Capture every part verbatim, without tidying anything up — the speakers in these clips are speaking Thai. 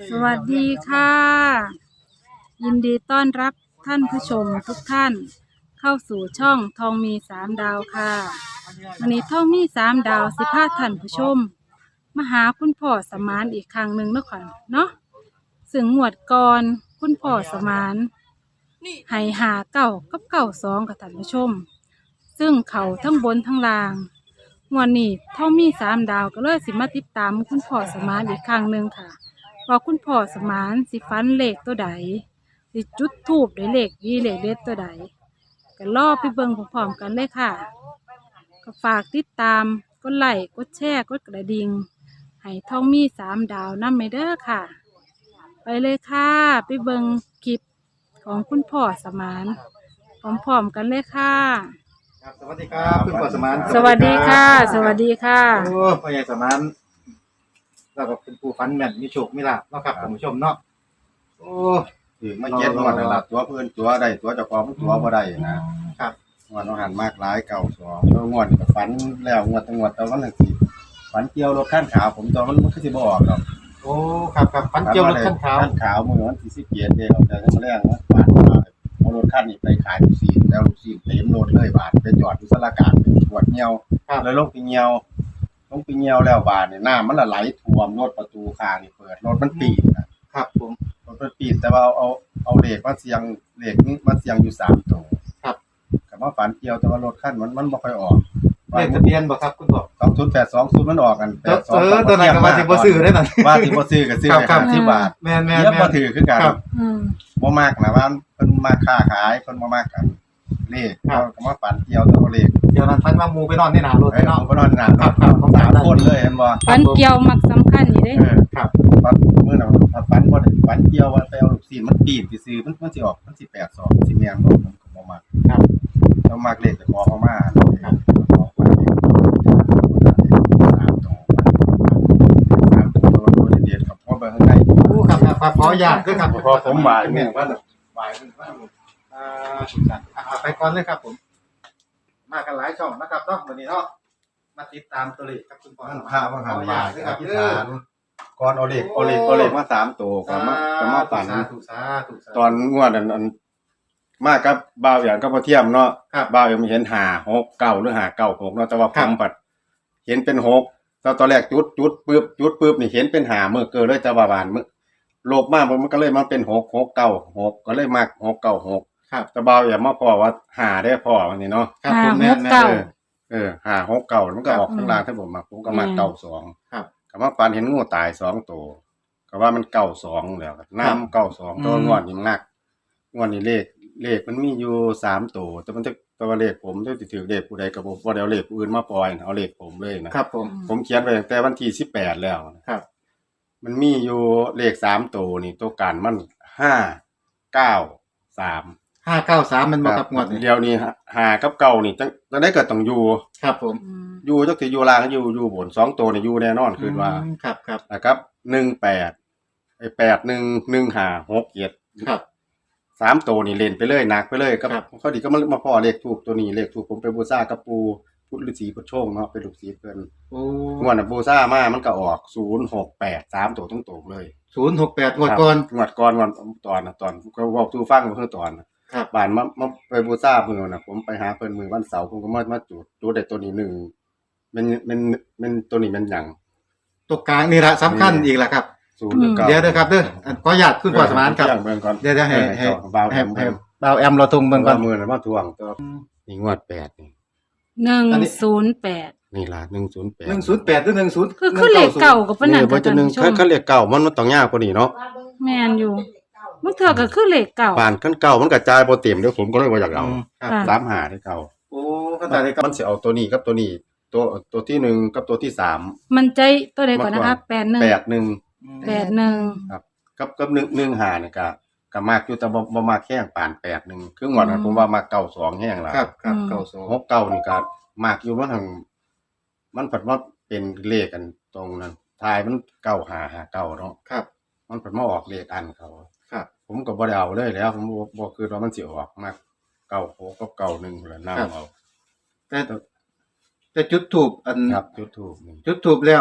สวัสดีค่ะ ยินดีต้อนรับท่านผู้ชมทุกท่าน เข้าสู่ช่องทองมีสามดาวค่ะวันนี้ทองมีสามดาวสิพาท่านผู้ชมมาหาคุณพ่อสมานอีกครั้งหนึ่งเนาะค่ะเนาะซึ่งงวดก่อนคุณพ่อสมานให้หาเก่ากับเก่าสองกับท่านผู้ชม ซึ่งเขาทั้งบนทั้งล่างงวดนี้ทองมีสามดาวก็เลยสิมาติดตามคุณพ่อสมานอีกครั้งหนึ่งค่ะว่าคุณพ่อสมานสิฟันเลขตัวใดสิจุดธูปได้เลขยี่เลขเด็ดตัวใดก็รอไปเบิ่งพร้อมๆกันเลยค่ะก็ฝากติดตามกดไลค์กดแชร์กดกระดิ่งให้ทองมีสามดาวนำไปเด้อค่ะ ไปเลยค่ะไปเบิ่งคลิปของคุณพ่อสมานพร้อมๆกันเลยค่ะครับสวัสดีครับคุณพ่อสมานสวัสดีค่ะ สวัสดีค่ะโอ้พ่อใหญ่สมานเราก็เป็นผู้ฟันแม่นมีโชคมีลาภเนาะครับท่านผู้ชมเนาะโอ้ถือมาเจ็ดงวดแล้วล่ะตัวเพื่อนตัวได้ตัวเจ้าของตัวบ่ได้นะครับงวดน้องหันมากหลายเก่าสองตัวงวดก็ฝันแล้วงวดตั้งงวดแต่วันนึงสิฝันเกี่ยวรถขั้นขาวผมตอนมันมันคือสิบ่ออกดอกโอ้ครับครับฟันเกี่ยวรถขั้นขาวขั้นขาวมื้อวันที่สิบเจ็ดเด้อแต่มาแรงนะฝันว่าเอารถขั้นนี้ไปขายลูกศิษย์แล้วลูกศิษย์เต็มรถเลยบาทไปจอดอยู่สารกลางเป็นขวดเหี่ยวแล้วลงไปเหี่ยวลงไปเหี่ยวแล้วบาทนี่น้ำมันละไหลท่วมรถประตูข้างนี่เปิดรถมันปีกนะครับผมรถมันปีกแต่ว่าเอาเอาเอาเหล็กมาเสียงเหล็กนี่มาเสียงอยู่สามตัวครับกับว่าฝันเกี่ยวแต่ว่ารถขั้นมันมันบ่ค่อยออกเลขทะเบียนบ่ครับคุณพ่อสองศูนย์แปดสองศูนย์มันออกกันแปดสองเออตัวไหนก็ว่าสิบ่ซื้อได้นั่นว่าสิบ่ซื้อก็ซื้อครับไปครัห้าบสิบบาทแม่นแม่นเดี๋ยวแม่บ่นถือคือกันครับอืมบ่มากนะว่าเพิ่นมาค้าขายเพิ่นบ่มากกันเลขครับก็มาฝันเกี่ยวแต่ว่าเลขเดี๋ยวนั้นฟันว่าหมูไปนอนในหนารถเอ้ยเนาะผมก็นอนหนาครับครับสามคนเลยเห็นบ่ฟันเกี่ยวมักสำคัญอยู่เด้เออครับฝันมื้อนั้นฝันบ่ได้ฝันเกี่ยวว่าไปเอาลูกศิษย์มันปีนซื่อๆมันมันสิออกมันสิแปดสองสิแม่นบ่ผมก็บ่มักครับต้องมากเลขจะขอเข้ามาครับขอมาเลขสามตัวสามตัวตัวเด็ดๆครับเพราะเบอร์ข้างในโอ้ครับครับครับขออนุญาตด้วยครับพอผมบ่ายแม่เนี่ยนว่าบ่ายเพิ่นว่าอ่าสุดสันต์อ่าไปก่อนเลยครับผม มากันหลายช่องนะครับเนาะวันนี้เนาะมาติดตามตัวเลขครับคุณพ่อท่านพระว่าหันขออนุบ่าญาย ตด้วยครับอธิษเด้อฐานก่อนเอาเลขเอาเลขเอาเลขมาสามตัวก่อนมาก่อนมาฝันสาธุสาธุสาธุตอนงวดอันอันมากับบ่าวอย่างก็บ่เทียมเนาะครับบ่าวยังเห็นห้า หก เก้าหรือห้า เก้า หกเนาะแต่ว่าผครับมปัดเห็นเป็นหกตอนตอนแรกจุดจุดปึ๊บจุดปึ๊บนี่เห็นเป็นห้ามื้อเกินเลยแต่ว่าบานมื้อโลกมามันก็เลยมาเป็นหก หก เก้า หกก็เลยมักหก เก้า หกครับแต่บ่าวอย่ามาพอว่าห้าได้พอวันนี้เนาะครับผมแม่นห้าหกเก้าแม่นเออเออห้า หก เก้ามันก็ออกครับข้างล่างถ้าผมมาผมก็มักอืมเก้าสองครับก็มาฝันเห็นงูตายสองตัวก็ว่ามันเก้าสองแล้วน้ำเก้าสองตัวงวดนี่มันหนักงวดนี้เลขเลขมันมีอยู่สามตัวแต่มันจะตัวเลขผมจะถือเลขผู้ใดกับผมบ่ได้เอาเลขผู้อื่นมาปล่อยนะเอาเลขผมเลยนะครับผมผมเขียนไว้ตั้งแต่วันที่สิบแปดแล้วนะครับ มันมีอยู่เลขสามตัวนี่ตัวกันมันห้าเก้าสามห้าเก้าสามมันบ่ครับงวดนี้เดียวนี้หากับเก้านี่จังจังได้เกิดต้องอยู่ครับผมอืมอยู่จักสิอยู่ล่างอยู่อยู่บนสองตัวนี่อยู่แน่นอนคือว่าอืมครับครับนะครับหนึ่งแปดไอ้แปดหนึ่งหนึ่งห้าหกเจ็ดครับสามตัวนี่เล่นไปเลยหนักไปเลยก็ครับเขาดีก็มามาพ่อเลขถูกตัวนี้เลขถูกผมไปบูชากับปูพุทธฤาษีพุทธโชงเนาะเป็นลูกศิษย์เพิ่นโอ้งวดน่ะบูชามามันก็ออกศูนย์หกแปดสามตัวตรงๆเลยศูนย์หกแปดงวดก่อนงวดก่อนงวดตอนน่ะตอนก็บอกทูฟังเพิ่นตอนน่ะครับบ้านมามาไปบูชาเพิ่นน่ะผมไปหาเพิ่นมื้อวันเสาร์ผมก็มามาจุดจุดได้ตัวนี้หนึ่งมันมันมันตัวนี้มันหยังตัวกลางนี่ละสำคัญอีกละครับศูนย์หรือเก้าเดี๋ยวเด้อครับเด้ออันขออนุญาตคุณพ่อสมานครับเบิ่งก่อนเดี๋ยวจะให้ให้เบาแอให้มให้เบาแอมเราทงเบิ่งก่อนมือน่ะมาทวงตัวนี่งวดแปดนี่หนึ่งอันนี้ศูนย์แปดนี่ล่ะหนึ่งศูนย์แปดหนึ่งศูนย์แปดหรือหนึ่งศูนย์คือคือเลขเก่ากับปานนันี่นบ่ค่ะจะท่านหนึ่งผู้ชเขามเขาเรียกเก่ามันมันต้องยากกว่านี้เนาะแม่นอยู่มันเถื่อก็คือเลขเก่าป่านคันเก่ามันกระจายบ่เต็มเดี๋ยวผมก็เลยบ่อยากเอาครับค่ะสามหาได้เก่าโอ้ก็แต่เลยครับมันสิเอาตัวนี้กับตัวนี้ ตัวตัวที่หนึ่งกับตัวที่สามมันใจตัวใดก่อนนะคะแปดหนึ่งแปดหนึ่งแปดหนึ่งครับกับกับหนึ่งหนึ่งหาเนี่ยก็ก็มากอยู่แต่บ่บ่มากแห้งปานแปดหนึ่งคือหมดนั้นผมว่ามาเก้าสองแห้งแล้วครับครับเก้าสองหกเก้านี่ก็มากอยู่มันทางมันผัดว่าเป็นเลขกันตรงนั้นทายมันเก้าหาหาเก้าเนาะครับมันผัดมาออกเลขอันเขาครับผมก็บ่ได้เอาเลยแล้ว ผมบ่บ่คือว่ามันสิออกมากเก้าหกกับเก้าหนึ่งแหละนำเอาแต่แต่จุดถูกอันครับจุดถูกนี่จุดถูกแล้ว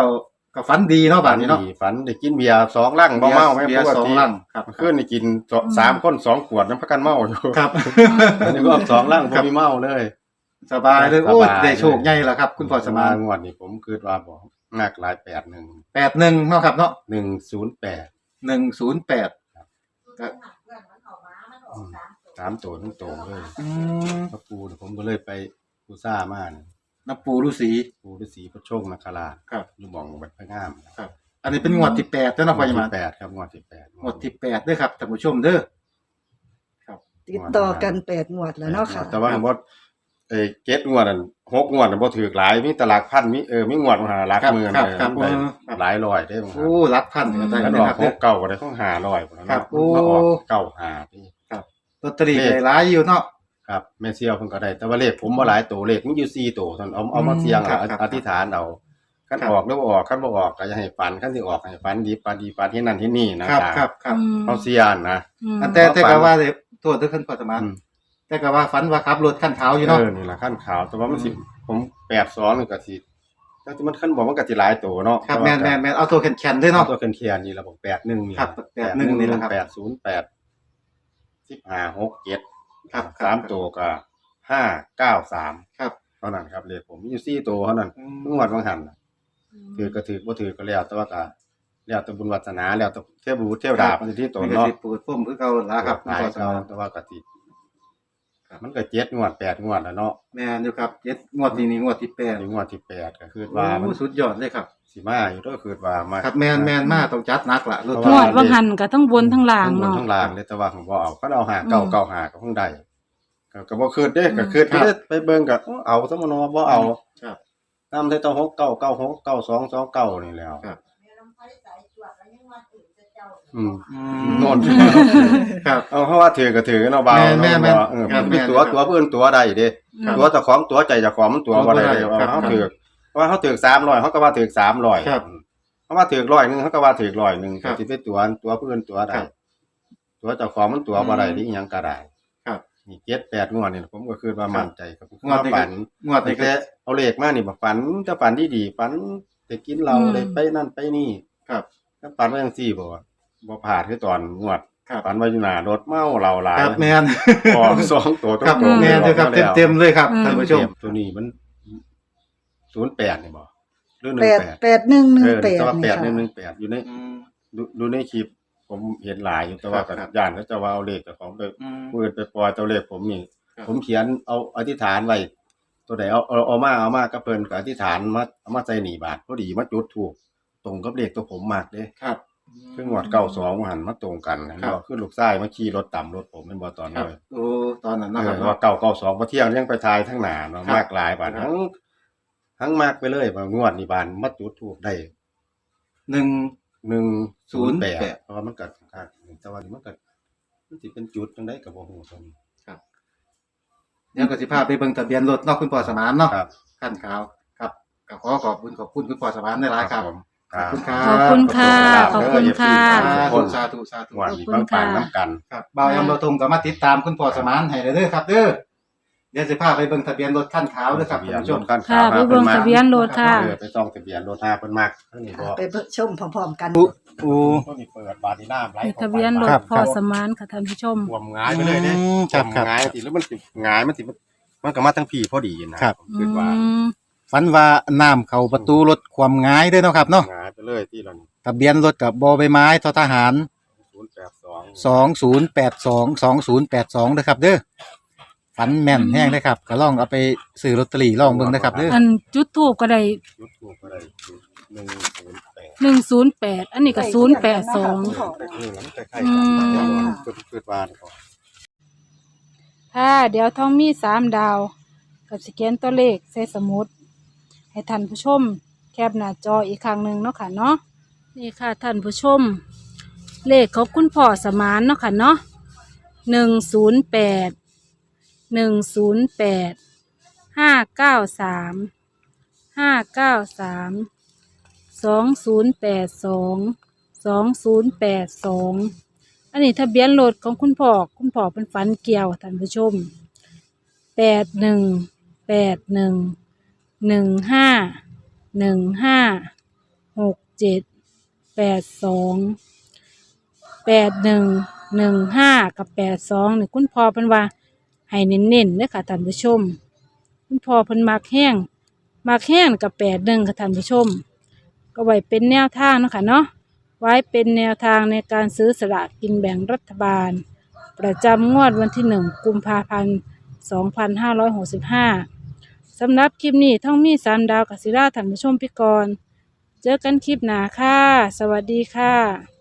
ก็ฝันดีเนาะบัดนี้เนาะฝันได้กินเบียร์สองลังบ่เมาแม่เบีปยร์กสองติลังครับคืนนี่กินสองสามคนสองขวดนำพักกันเมาอยู่ครับอันนี้ก็สองลังบ่มีเมาเลยสบายเลยสบายโอ้ยได้โชคใหญ่แล้วครับ คุณพ่อสมานงวดนี้ผมคิดว่าบ่มากหลายแปดหนึ่งแปดหนึ่งเนาะครับเนาะหนึ่งศูนย์แปดหนึ่งศูนย์แปดก็สามตัวทั้งตัวเลยอืมพระปูเนี่ยผมก็เลยไปปูซ่ามาเนี่ยน้ำปูฤาษีปูฤาษีพระโชคนาคราชครับอยู่หม่องวัดพระงามครับ อันนี้เป็นงวดที่แปดแล้วเนาะพ่อสงวมาดนที่แปดครับงวดที่แปดงวดที่แปดเด้อครับท่านผู้ชมเด้อติดต่อกันแปดงวดแล้วเนาะค่ะแต่ว่าบ่เอ้เจ็ดงวดนั่นหกงวดน่ะบ่ถูกหลายมีแตหลักพันมีเออมีงวดมาหาหลักครับหมื่นครับเลยครับได้เออครับหลายร้อยได้บ่ครัโอ้รับพันกันได้บแล้วนะออคกรับหกเก้าก็ได้ของห้าร้อยพุ่นครัเนาะบโอ้มาออกเก้าห้าพี่ลอตเตอรี่ได้หลายอยู่เนาะครับแม่เสี่ยวเพิ่นก็ได้แต่ว่าเลขผมบ่หลายตัวเลขมีอยู่สี่ตัวเท่านั้นเอาเอามาเสี่ยงครับเอาครับอธิษฐานเอาคันครับออกหรือบ่ออกคันบ่ออกก็อย่าให้ฝันคันสิออกให้ฝันดีฝันดีฝันที่นั่นที่นี่นะครับครับครับอืมเขาเสี่ยงนะอืมอันแต่แต่ฝันก็ว่าเลยโทษด้วยขึ้นพ่อสมานอืมแต่ก็ว่าฝันว่าขับรถขั้นขาวอยู่เอเนาะอนี่ล่ะขั้นขาวแต่ว่ามันสิผมแปดสองนี่ก็สิแต่ที่มันขั้นบอกมันก็สิหลายตัวเนาะครับแม่นแม่นแม่นเอาตัวแข็งๆด้วยเนาะเนาะตัวเคียนๆนี่ระบบแปดหนึ่งนี่ครับแปดหนึ่งนี่แหละครับแปดศูนย์แปดสิบห้าหกเจ็ดครับสามตัวก็ห้าเก้าสามครับเท่านั้นครับเลขผมมีอยู่สี่ตัวเท่านั้นอืเพิ่งมวัดบางหันน่ะถือก็ถือบ่ถือก็แล้วแต่ว่าก็แล้วแต่บุญวาสนาแล้วแต่เทพบุตรเทวดามันสิที่ตัวมันก็เนาะสิปูดพุ่มคือเก่าล่ะครับคุณหลายพ่อสเขามานแต่ว่าก็สิมันก็เจ็ดงวดแปดงวดแล้วเนาะแม่นอยู่ครับเจ็ดงวดนี้นี่งวดที่แปดถึงงวดที่แปดก็คือว่ามันโอ้สุดยอดเลยครับสิมาอยู่ก็คือว่ามาครับแม่นแม่นมาต้องจัดหนักล่ะรถเพงราะวว่าดว่างหันก็ทั้งบนทั้งล่างทั้งบนเนาะทั้งล่างเลยแต่ว่าผมบ่เอาเขาเอาหาเก่าอืมเก่าหาก็คงได้ก็ก็บ่คืนเด้ก็อืมคืนไปเด้ไปเบิ่งก็เอาซะมันว่าบ่เอาครับนำแต่ต้องหกเก้าเก้าหกเก้าสองสองเก้านี่แล้วครับอืมอืโน่นครับเอาเพราะว่าถือก็ถือเนาะบ่าวแม่นแม่นเออครับมีตัวแม่นตัวเพิ่นตัวได้เด้ครับตัวเจ้าของตัวใจเจ้าของมันตัวบ่ได้เด้ครับเฮาถือเพราะว่าเฮาถือสามร้อยเฮาก็ว่าถือสามร้อยครับเพราะว่าถือร้อยหนึงเฮาก็ว่าถือร้อยหนึงครัก็บสิไปตัวตัวเพิ่นตัวได้ครับตัวเจ้าของมันตัวบ่ได้อืมดิอิหยังก็ได้ครับนี่เจ็ดแปดงวดนี่ผมก็คือว่ามั่นใจครับงวดนี้ก็ฝันงวดนี้ก็แต่เอาเลขมานี่บ่ฝันจะฝันดีๆฝันได้กินเหล้าอืมได้ไปนั่นไปนี่ครับถ้าฝันว่าจังซี่บ่ว่าบ่พลาดคือตอนงวดครับฝันว่าอยู่หน้ารถเมาเหล้าหลายครับแม่นออกสองตัวครับตรงๆแม่นเลยครับออกมาแล้วเต็มๆเลยครับอืมท่านผู้ชมตัวนี้มันศูนย์แปดนี่บ่หรือแปดหนึ่งแปดแปดหนึ่งหนึ่เอง อแปดแต่ว่านี่แปดค่ะหนึ่งหนึ่งแปดอยู่ในอืมดูดูในคลิปผมเห็นหลายอยู่แต่ว่าครัก็บย่านเขาจะว่าเอาเลขเจ้าของไปอืมเปิดไปปล่อยตัวเลขผมนี่ครับผมเขียนเอาอธิษฐานไว้ตัวไหนเอาเอาเอามาเอามาก็เพิ่นก็อธิษฐานมาเอามาใส่หนีบาทพอดีมาจุดถูกตรงกับเลขตัวผมมากเด้ครับคืองวดเก้าสองหันมาตรงกันเห็นครับบ่คือลูกชายมาขี่รถต่ำรถผมเป็นบ่ตอนครันั้บนโอ้ตอนนั้นเอนะคอรับว่าเก้าเก้าสองพอเที่ยงยังไปทายทั้งหน้าเนาะครับมากหลายบาทครับทั้งทั้งมากไปเลยว่างวดนี่บานมาจุดถูกได้หนึ่งหนึ่งศูนย์แปดศูนย์แปดเพราะว่ามันเกิดขาดแต่ว่านี่มันเกิดมันสิเป็นจุดจังไดกับบ่ฮู้ตรงนี้เดี๋ยวก็สิพาไปเบิ่งทะเบียนรถเนาะคุณพ่อสมานเนาะครับขั้นขาวครับก็ขอขอบคุณขอบคุณคุณพ่อสมานได้หลายครับผมขอบคุณครัขอบคุณค่ะ ขอบคุณค่ะทุกคนสาธุสาธุงวดขอบนี้คุณบางปางค่ะน้ำกันครับบ่าวแอมเราทงก็มาติดตามคุณพ่อสมานให้เด้อครับเด้อเดี๋ยวสิพาไปเบิ่งทะเบียนรถขั้นขาวเด้อครับทะเบีท่าย นนผู้ชรมถคันค่ะขาวไปเบิ่งทะเบียนรถค่ะเออไปต้องทะเบียนรถห้าเพิ่นมากเท่านี้บ่ไปชมพร้อมๆกันอู้อู้ต้นนี้เปิดบาดนีน้ำไหลมีข้าไปทะเบียนรครัถบพอสมานค่ะท่านผู้ชมท่วมหงายไปเลยเด้อืมครับครับหงายสิแล้วมันสิหงายมันสิมันก็มาทั้งพี่พอดีนะครับ ผมคิดว่าอืมฝันว่าน้ำเข้าประตูรถความง่ายเด้อเนาะครับเนาะหงายไปเลยที่เรานี่ทะเบียนรถกับบ่อใบไม้ททหารศูนย์แปดสองสองศูนย์แปดสองสองศูนย์แปดสองนะครับเด้อฝันแม่นแห้งเลยครับก็ลองเอาไปซื้อลอตเตอรี่ลองเบิ่งนะครับเด้ออันจุดทูบก็ได้ยุดถูกอะไรหนึ่งศูนย์แปดหนึ่งศูนย์แปดอันนี้ก็ศูนย์แปดสองเออแล้วมันใกล้ๆอืกันมเกิดเกิดวานก่อนค่ะเดี๋ยวท้องมีสามดาว กับสแกนตัวเลขใส่สมุด ให้ท่านผู้ชม แคปหน้าจออีกครั้งหนึ่งเนาะค่ะเนาะนี่ค่ะท่านผู้ชม เลขของคุณพ่อสมานเนาะค่ะเนาะหนึ่งศูนย์แปดหนึ่งศูนย์แปดห้าเก้าสามห้าเก้าสามสองศูนย์แปดสองสองศูนย์แปดสองอันนี้ทะเบียนรถของคุณพ่อคุณพ่อเป็นฝันเกี่ยวท่านผู้ชมแปดหนึ่งแปดหนึ่งหนึ่งห้าหนึ่งห้าหกเจ็ดแปดสองแปดหนึ่งหนึ่งห้ากับแปดสองนี่คุณพ่อเพิ่นว่าให้เน้นๆเด้อค่ะท่านผู้ชมคุณพ่อเพิ่นมักแห้งมักแห้งกับแปดหนึ่งค่ะท่านผู้ชมก็ไว้เป็นแนวทางเนาะค่ะเนาะไว้เป็นแนวทางในการซื้อสลากกินแบ่งรัฐบาลประจำงวดวันที่หนึ่งกุมภาพันธ์สองพันห้าร้อยหกสิบห้าสำหรับคลิปนี้ท่องมีสามดาวกับศิลาท่านผู้ชมพิกรเจอกันคลิปหน้าค่ะสวัสดีค่ะ